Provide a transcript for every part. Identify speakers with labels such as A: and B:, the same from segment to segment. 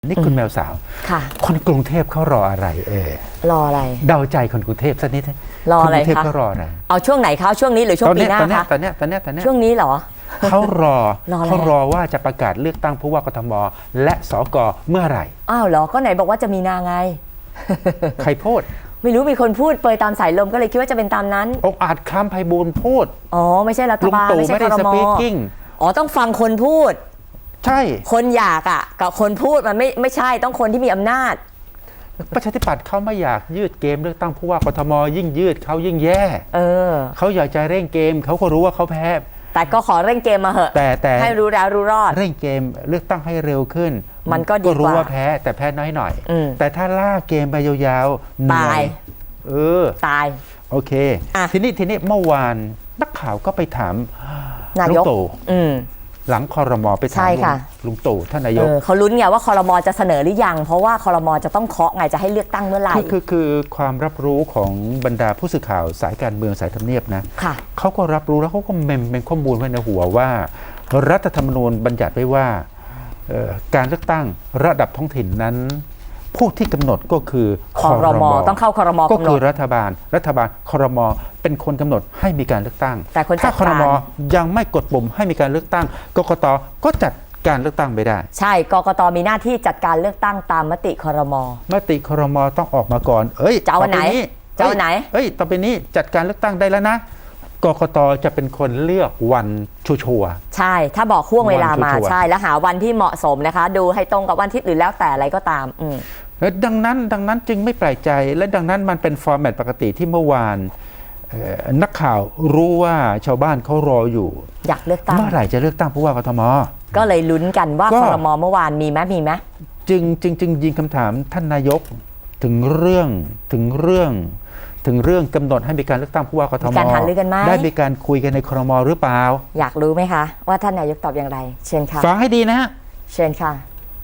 A: นี่คุณแมวสาวคนกรุงเทพเขารออะไร
B: รออะไร
A: เดาใจคนกรุงเทพสักนิด
B: รออะไรคะ
A: คนกรุงเทพเขารออะไร
B: เอาช่วงไหนคะช่วงนี้หรือช่วงปีหน้าคะ
A: ตอนนี้
B: ช่วงนี้เหรอ
A: เขารอว่าจะประกาศเลือกตั้งผู้ว่ากทมและสกเมื่อไหร่
B: อ้าวเหรอก็ไหนบอกว่าจะมีนาไง
A: ใครพูด
B: ไม่รู้มีคนพูดเปยตามสายลมก็เลยคิดว่าจะเป็นตามนั้น
A: องอาจคล้ำไพบูลย์พูด
B: อ๋อไม่ใช่รัฐบาลไม่ใช่ครม.อ๋อต้องฟังคนพูด
A: ใช่
B: คนอยากอ่ะกับคนพูดมันไม่ใช่ต้องคนที่มีอำนาจ
A: ประชาธิปัตย์เขาไม่อยากยืดเกมเลือกตั้งผู้ว่ากทมยิ่งยืดเขายิ่งแย่เขาอยากจะเร่งเกมเขาก็รู้ว่าเขาแพ้
B: แต่ก็ขอเร่งเกมมาเหอะแต่ให้รู้แล้วรู้รอด
A: เร่งเกมเลือกตั้งให้เร็วขึ้น
B: มันก็ดีกว่า
A: รู้ว่าแพ้แต่แพ้น้อยหน่อยแต่ถ้าล่าเกมไปยาวๆ
B: ตายตาย
A: โอเคทีนี้เมื่อวานนักข่าวก็ไปถาม
B: นายก
A: หลังครม.ไปถามลุงตู่ท่านนายก
B: เขาลุ้นไงว่าครม.จะเสนอหรือยังเพราะว่าครม.จะต้องเคาะไงจะให้เลือกตั้งเมื่อไหร่
A: คือความรับรู้ของบรรดาผู้สื่อข่าวสายการเมืองสายทำเนียบนะเขาก็รับรู้แล้วเขาก็เป็นข้อมูลไว้ในหัวว่ารัฐธรรมนูญบัญญัติไว้ว่าการเลือกตั้งระดับท้องถิ่นนั้นผู้ที่กำหนดก็คือ
B: ครม.ต้องเข้าครม.
A: ก็คือรัฐบาลครม.เป็นคนกำหนดให้มีการเลือกตั้ง
B: แต่
A: ถ้าครม.ยังไม่กดปุ่มให้มีการเลือกตั้งกกต.ก็จัดการเลือกตั้งไม่ได้
B: ใช่กกต.มีหน้าที่จัดการเลือกตั้งตามมติครม.
A: มติครม.ต้องออกมาก่อน
B: จะเอาไหน
A: ต่อไปนี้จัดการเลือกตั้งได้แล้วนะกกต.จะเป็นคนเลือกวันชัวร์
B: ใช่ถ้าบอกห่วงเวลามาใช่แล้วหาวันที่เหมาะสมนะคะดูให้ตรงกับวันที่หรือแล้วแต่อะไรก็ตาม
A: ดังนั้นจึงไม่แปลกใจและดังนั้นมันเป็นฟอร์แมตปกติที่เมื่อวานนักข่าวรู้ว่าชาวบ้านเขารออยู่
B: อยากเลือกตั้ง
A: เมื่อไหร่จะเลือกตั้งผู้ว่ากทม.
B: ก็เลยลุ้นกันว่าครม.เมื่อวานมีไหม
A: จึงยิงคำถามท่านนายกถึงเรื่องกำหนดให้มีการเลือกตั้งผู้ว่ากทม.ได้มีการคุยกันในครม.หรือเปล่า
B: อยากรู้ไหมคะว่าท่านนายกตอบอย่างไรเชิญค่ะ
A: ฟังให้ดีนะฮะ
B: เชิญค่ะ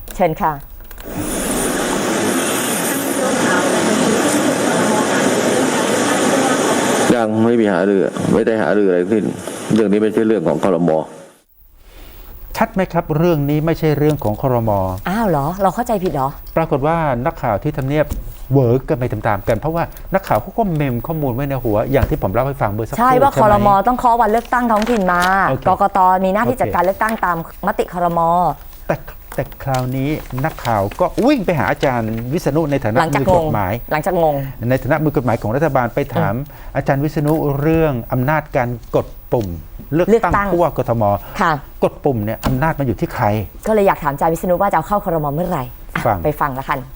C: ยังไม่มีหารือไม่ได้หารืออะไรขึ้นเรื่องนี้ไม่ใช่เรื่องของครม.
A: ชัดไหมครับเรื่องนี้ไม่ใช่เรื่องของครม.
B: อ้าวเหรอเราเข้าใจผิดเหรอ
A: ปรากฏว่านักข่าวที่ทำเนียบเวิร์กกันไปตามๆกันเพราะว่านักข่าวเขาก็เมมข้อมูลไว้ในหัวอย่างที่ผมเล่าให้ฟังเมื่อสักครู่
B: ใช่ว่าครม.ต้องเคาะวันเลือกตั้งท้องถิ่นมากกต.มีหน้าที่จัดการเลือกตั้งตามมติครม.
A: แต่คราวนี้นักข่าวก็วิ่งไปหาอาจารย์วิษณุในฐานะมือกฎหมาย
B: หลังจากงง
A: ในฐานะมือกฎหมายของรัฐบาลไปถามอาจารย์วิษณุเรื่องอำนาจการกดปุ่มเลือกตั้งผู้ว่ากทม.กดปุ่มเนี่ยอำนาจมันอยู่ที่ใคร
B: ก็เลยอยากถามอาจารย์วิษณุว่าจะเอาเข้าครม.เมื่อไหร่ไปฟังละกัน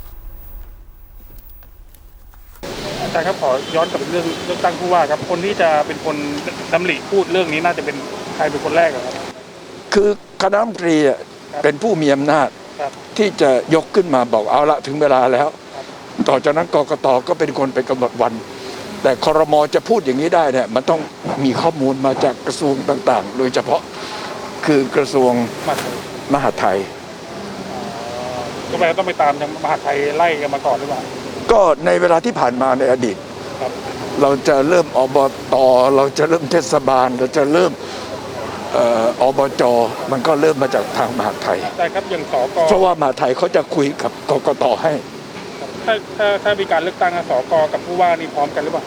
D: อาจารย์ครับขอย้อนกลับไปเรื่องเลือกตั้งผู้ว่าครับคนที่จะเป็นคนดำริพูดเรื่องนี้น่าจะเป็นใครเป็นคนแรกครับ
E: คือคณะรัฐมนตรีเป็นผู้มีอำนาจที่จะยกขึ้นมาบอกเอาละถึงเวลาแล้วต่อจากนั้นกกต.ก็เป็นคนไปกำหนดวันแต่ครม.จะพูดอย่างนี้ได้เนี่ยมันต้องมีข้อมูลมาจากกระทรวงต่างๆโดยเฉพาะคือกระทรวงมหาดไทย
D: ก็แปลว่าต้องไปตามทางมหาดไทยไล่กันมาก่อนหรือเปล่า
E: ก็ในเวลาที่ผ่านมาในอดีตเราจะเริ่มอบต.เราจะเริ่มเทศบาลเราจะเริ่มอบจ.มันก็เริ่มมาจากทางมหาดไทย
D: ใช่ครับอย่างสก.
E: เพราะว่ามหาดไทยเขาจะคุยกับกกต.ให้
D: ถ้ามีการเลือกตั้งสก.กับผู้ว่านี่พร้อมกันหรือเปล่า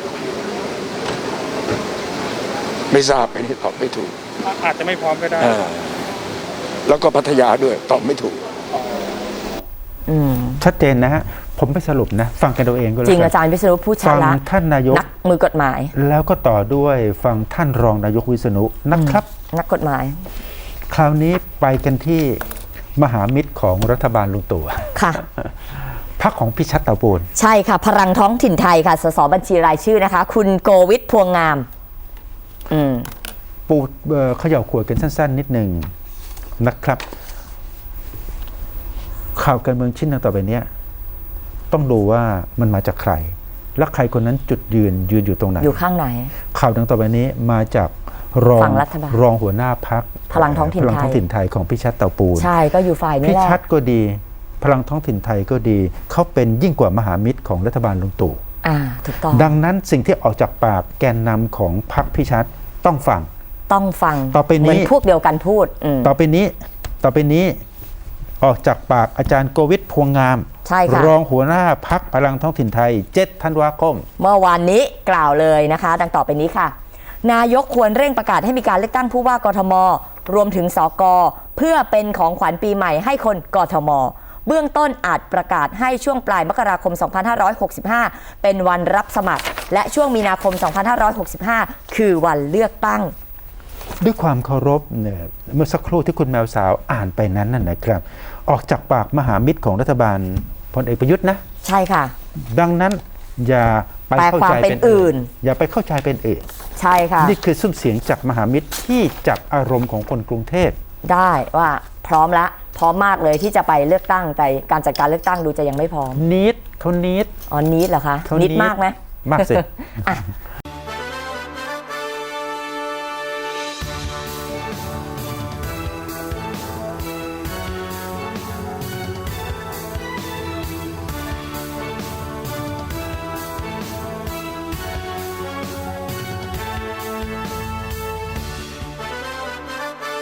E: ไม่ทราบอันนี้ตอบไม่ถูก
D: อาจจะไม่พร้อมก็ได้
E: แล้วก็พัทยาด้วยตอบไม่ถูก
A: ชัดเจนนะฮะผมไปสรุปนะฟังกันตัวเองก็แล้ว
B: จริงอาจารย์วิษณุพูดชัดละ
A: ฟังท่านนายก
B: นักมือกฎหมาย
A: แล้วก็ต่อด้วยฟังท่านรองนายกวิษณุนะครับ
B: นักกฎหมาย
A: คราวนี้ไปกันที่มหามิตรของรัฐบาลลุงตู่
B: ค่ะ
A: พรรคของพิชัชเต่าปูน
B: ใช่ค่ะพลังท้องถิ่นไทยค่ะสสบัญชีรายชื่อนะคะคุณโกวิทพวงงาม
A: ปูเขย่าขวดกันสั้นๆนิดหนึ่งนะครับข่าวการเมืองชิ้นต่อไปนี้ต้องดูว่ามันมาจากใครและใครคนนั้นจุดยืนอยู่ตรงไหน
B: อยู่ข้างไหน
A: ข่าวดังต่อไปนี้มาจากรองหัวหน้าพรรค
B: พลังท้องถิ่น
A: ไทยของพิชัชเต่าปูน
B: ใช่ก็อยู่ฝ่ายนี้แหละ
A: พิชัชก็ดีพลังท้องถิ่นไทยก็ดีเขาเป็นยิ่งกว่ามหามิตรของรัฐบาลลุงตู่
B: ถูกต้อง
A: ดังนั้นสิ่งที่ออกจากปากแกนนำของพรรคพิชัชต้องฟัง
B: ต่อไปนี้
A: เหมือน
B: พวกเดียวกันพูด
A: ต่อไปนี้ออกจากปากอาจารย์โกวิทพวงงาม
B: ใช่ค่ะ
A: รองหัวหน้าพักพลังท้องถิ่นไทย 7 ธันวาคม
B: เมื่อวานนี้กล่าวเลยนะคะ ดังต่อไปนี้ค่ะ นายกควรเร่งประกาศให้มีการเลือกตั้งผู้ว่ากทม รวมถึงสกเพื่อเป็นของขวัญปีใหม่ให้คนกทม เบื้องต้นอาจประกาศให้ช่วงปลายมกราคม 2565 เป็นวันรับสมัคร และช่วงมีนาคม 2565 คือวันเลือกตั้ง
A: ด้วยความเคารพเนี่ยเมื่อสักครู่ที่คุณแมวสาวอ่านไปนั้นน่ะนะครับ ออกจากปากมหามิตรของรัฐบาลพลเอกประยุทธ์นะ
B: ใช่ค่ะ
A: ดังนั้นอย่าไปเข้าใจเป็นอื่น อย่าไปเข้าใจเป็นอื่น
B: ใช่ค่ะ
A: นี่คือซุ้มเสียงจากมหามิตรที่จับอารมณ์ของคนกรุงเทพ
B: ได้ว่าพร้อมมากเลยที่จะไปเลือกตั้ง แต่การจัดการเลือกตั้งดูจะยังไม่พร้อม
A: นิดเขานิด
B: อ๋อนิดเหรอคะ
A: เขา
B: นิดมากไหม
A: มากสิ
B: อ่ะ